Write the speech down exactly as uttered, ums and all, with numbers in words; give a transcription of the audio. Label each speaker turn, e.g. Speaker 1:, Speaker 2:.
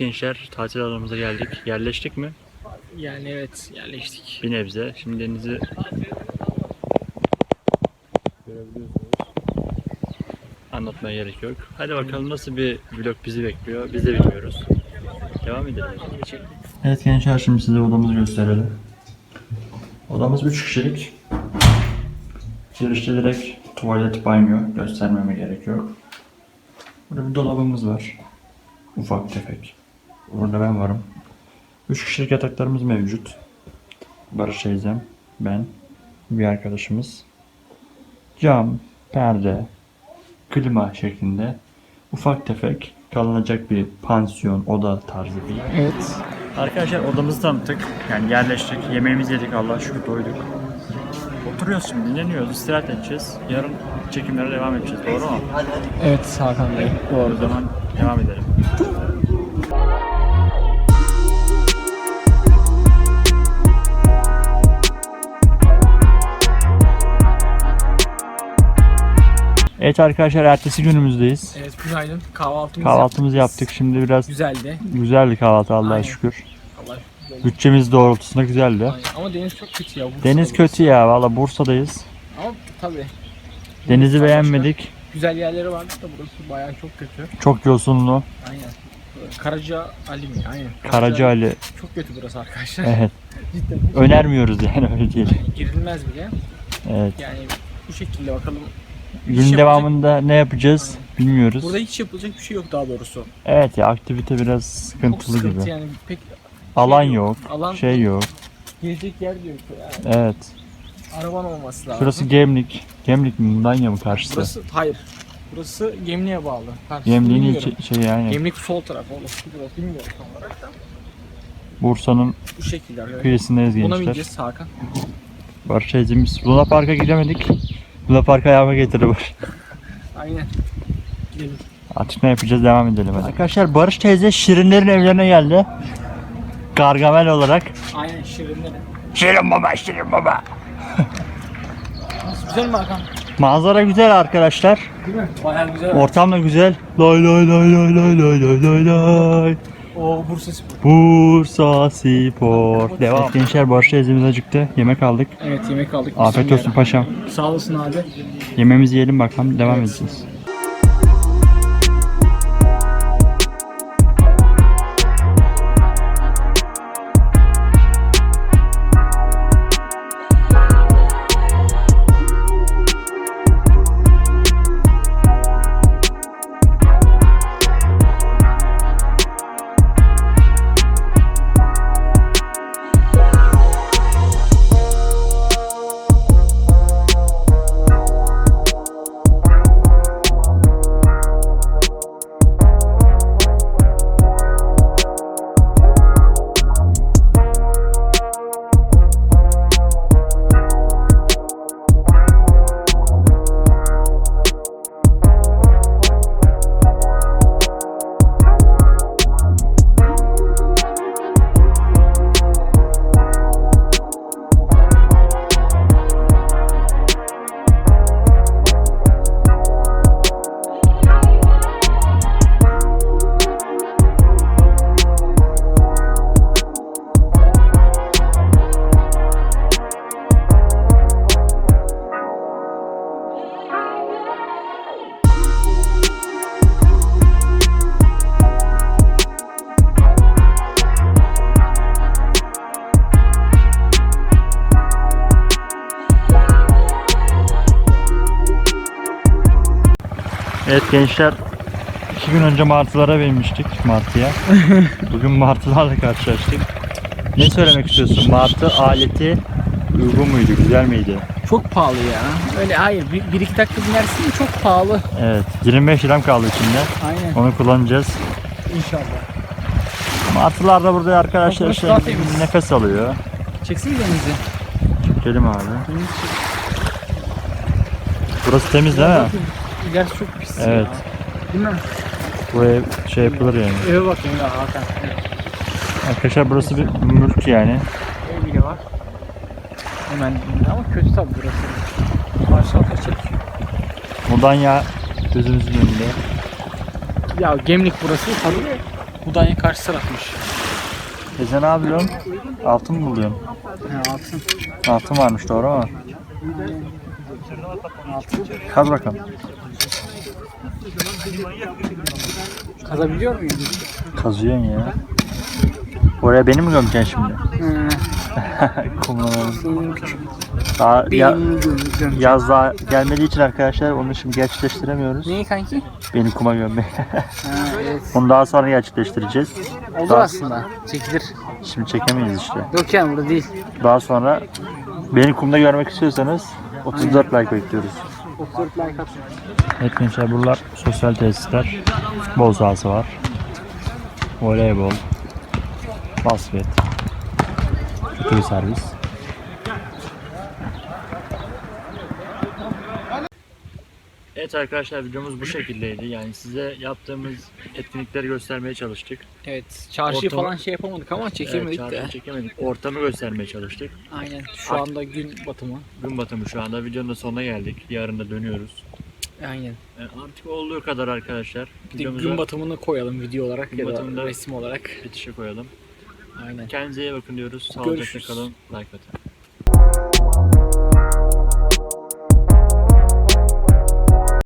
Speaker 1: gençler, tatil alanımıza geldik. Yerleştik mi?
Speaker 2: Yani evet, yerleştik.
Speaker 1: Bir nebze. Şimdi denizi görebiliyorsunuz. Anlatmaya gerek yok. Hadi bakalım nasıl bir vlog bizi bekliyor. Biz de bilmiyoruz. Devam edelim. Evet gençler, şimdi size odamızı gösterelim. Odamız üç kişilik. Girişte direkt tuvalet, banyo, göstermeme gerek yok. Burada bir dolabımız var. Ufak tefek. Burada ben varım. üç kişilik yataklarımız mevcut. Barış teyzem, ben, bir arkadaşımız. Cam, perde, klima şeklinde ufak tefek kalınacak bir pansiyon, oda tarzı bir.
Speaker 2: Evet.
Speaker 1: Arkadaşlar odamızı tanıttık. Yani yerleştik. Yemeğimizi yedik. Allah'a şükür doyduk. Oturuyoruz şimdi. Dinleniyoruz. İstirahat edeceğiz. Yarın çekimlere devam edeceğiz. Doğru mu?
Speaker 2: Evet Hakan Bey.
Speaker 1: Doğru. O zaman devam edelim. Evet arkadaşlar, ertesi günümüzdeyiz.
Speaker 2: Evet, günaydın. Kahvaltımızı
Speaker 1: Kahvaltımızı
Speaker 2: yaptık.
Speaker 1: yaptık. Şimdi biraz
Speaker 2: Güzeldi.
Speaker 1: güzeldi kahvaltı, Allah'a
Speaker 2: Aynen.
Speaker 1: şükür.
Speaker 2: Allah şükür.
Speaker 1: Bütçemiz doğrultusunda güzeldi.
Speaker 2: Aynen. Ama deniz çok kötü ya. Bursa'da
Speaker 1: Deniz
Speaker 2: burası.
Speaker 1: kötü ya, valla Bursa'dayız.
Speaker 2: Ama tabii.
Speaker 1: Denizi
Speaker 2: Bursa'da
Speaker 1: beğenmedik.
Speaker 2: başka güzel yerleri vardı da burası bayağı çok kötü.
Speaker 1: Çok yosunlu.
Speaker 2: Aynen. Karaca Ali mi? Aynen.
Speaker 1: Karaca Ali.
Speaker 2: Çok kötü burası arkadaşlar.
Speaker 1: Evet.
Speaker 2: Cidden.
Speaker 1: Önermiyoruz yani, öyle diyelim.
Speaker 2: Girilmez bile.
Speaker 1: Evet.
Speaker 2: Yani bu şekilde bakalım.
Speaker 1: Gün
Speaker 2: Hiç
Speaker 1: devamında ne yapacağız bilmiyoruz.
Speaker 2: Burada hiç yapılacak bir şey yok daha doğrusu.
Speaker 1: Evet ya, aktivite biraz
Speaker 2: Çok
Speaker 1: sıkıntılı
Speaker 2: sıkıntı
Speaker 1: gibi.
Speaker 2: yani. Pek
Speaker 1: Alan
Speaker 2: şey
Speaker 1: yok,
Speaker 2: Alan
Speaker 1: şey yok.
Speaker 2: gelecek yer de yok yani.
Speaker 1: Evet.
Speaker 2: Araban olması lazım.
Speaker 1: Şurası Gemlik. Gemlik mi? Mudanya mı karşısı?
Speaker 2: Burası hayır. Burası Gemlik'e bağlı. Karşısı
Speaker 1: Gemlik'in
Speaker 2: bilmiyorum.
Speaker 1: ilçe, şey yani.
Speaker 2: Gemlik sol taraf oğlum. Burası bilmiyorum tam olarak da.
Speaker 1: Bursa'nın
Speaker 2: Bu şekilde arkadaşlar.
Speaker 1: kıyısındayız
Speaker 2: Buna
Speaker 1: gençler.
Speaker 2: bineceğiz Hakan.
Speaker 1: Barış teyzemiz. Luna Park'a gidemedik. Luna Park'a ayağıma getirdi Barış.
Speaker 2: Aynen. Gidelim.
Speaker 1: Artık ne yapacağız, devam edelim hadi. Arkadaşlar, Barış teyze Şirinlerin evlerine geldi. Gargamel olarak.
Speaker 2: Aynen Şirinler.
Speaker 1: Şirin baba, Şirin baba.
Speaker 2: Nasıl, güzel mi Hakan?
Speaker 1: Manzara güzel arkadaşlar.
Speaker 2: Değil mi? Bayağı güzel.
Speaker 1: Ortam da güzel. Lay lay lay lay lay lay lay lay lay.
Speaker 2: O Bursa Spor.
Speaker 1: Bursa Spor. Devam. Gençler, Barış teyzemiz acıktı. Yemek aldık.
Speaker 2: Evet, yemek aldık.
Speaker 1: Afiyet olsun paşam.
Speaker 2: Sağ olasın abi.
Speaker 1: Yemeğimizi yiyelim bakalım. Devam
Speaker 2: Evet.
Speaker 1: edeceğiz. Evet gençler, iki gün önce martılara binmiştik, martıya. Bugün martılarla karşılaştık. Ne söylemek istiyorsun? Martı aleti uygun muydu, güzel miydi?
Speaker 2: Çok pahalı ya. Öyle hayır. Bir, bir iki dakika binersin de çok pahalı.
Speaker 1: Evet, yirmi beş liram kaldı içinde.
Speaker 2: Aynen.
Speaker 1: Onu kullanacağız.
Speaker 2: İnşallah.
Speaker 1: Martılar da burada arkadaşlar
Speaker 2: Burası
Speaker 1: işte
Speaker 2: daha temiz.
Speaker 1: nefes alıyor.
Speaker 2: Çeksene denizi.
Speaker 1: Çekelim abi.
Speaker 2: Deniz
Speaker 1: Burası temiz değil mi?
Speaker 2: İlerisi çok pis
Speaker 1: Evet.
Speaker 2: ya. Değil mi?
Speaker 1: Bu ev şey yapılır yani.
Speaker 2: Eve bakayım ya Hakan.
Speaker 1: Arkadaşlar burası bir mülk yani.
Speaker 2: Ev bile var. Hemen dibinde ama kötü tabi burası. Aşağıda çek.
Speaker 1: Mudanya gözümüzün önünde.
Speaker 2: Ya Gemlik burası tabii. Mudanya karşı tarafmış.
Speaker 1: Teyze ne yapıyorsun? Altın mı buluyorsun?
Speaker 2: He altın.
Speaker 1: Altın varmış doğru mu?
Speaker 2: Altın.
Speaker 1: Kaz bakalım.
Speaker 2: Kazabiliyor muyum?
Speaker 1: Kazıyorsun ya. Oraya beni mi gömeceksin şimdi?
Speaker 2: Hı.
Speaker 1: Kumlanalım.
Speaker 2: Senin küçük
Speaker 1: Daha ya,
Speaker 2: beynini göm- göm.
Speaker 1: yaz daha gelmediği için arkadaşlar onu şimdi gerçekleştiremiyoruz.
Speaker 2: Neyi kanki?
Speaker 1: Beni kuma gömmeyi.
Speaker 2: Ha evet.
Speaker 1: Onu daha sonra gerçekleştireceğiz.
Speaker 2: Olur
Speaker 1: Daha-
Speaker 2: aslında. Çekilir.
Speaker 1: Şimdi çekemeyiz işte.
Speaker 2: Yok yani burada değil.
Speaker 1: Daha sonra beni kumda görmek istiyorsanız otuz dört like bekliyoruz.
Speaker 2: otuz dört like atın.
Speaker 1: Evet gençler buralar sosyal tesisler. Futbol sahası var. Voleybol. Basket. Kötü servis. Evet arkadaşlar videomuz bu şekildeydi. Yani size yaptığımız etkinlikleri göstermeye çalıştık.
Speaker 2: Evet. Çarşıyı
Speaker 1: Ortamı-
Speaker 2: falan şey yapamadık ama çekemedik
Speaker 1: Evet,
Speaker 2: de.
Speaker 1: çarpı çekemedik. Ortamı göstermeye çalıştık.
Speaker 2: Aynen. Şu anda gün batımı.
Speaker 1: Gün batımı şu anda. Videonun da sonuna geldik. Yarın da dönüyoruz.
Speaker 2: Aynen.
Speaker 1: Yani artık olduğu kadar arkadaşlar.
Speaker 2: Bir de
Speaker 1: Videomuzu
Speaker 2: gün batımını koyalım video olarak
Speaker 1: Gün
Speaker 2: ya da
Speaker 1: batımında-
Speaker 2: resim olarak.
Speaker 1: bitişe koyalım.
Speaker 2: Aynen.
Speaker 1: Kendinize iyi bakın diyoruz. Sağlıcakla
Speaker 2: Görüşürüz.
Speaker 1: kalın. Like atın.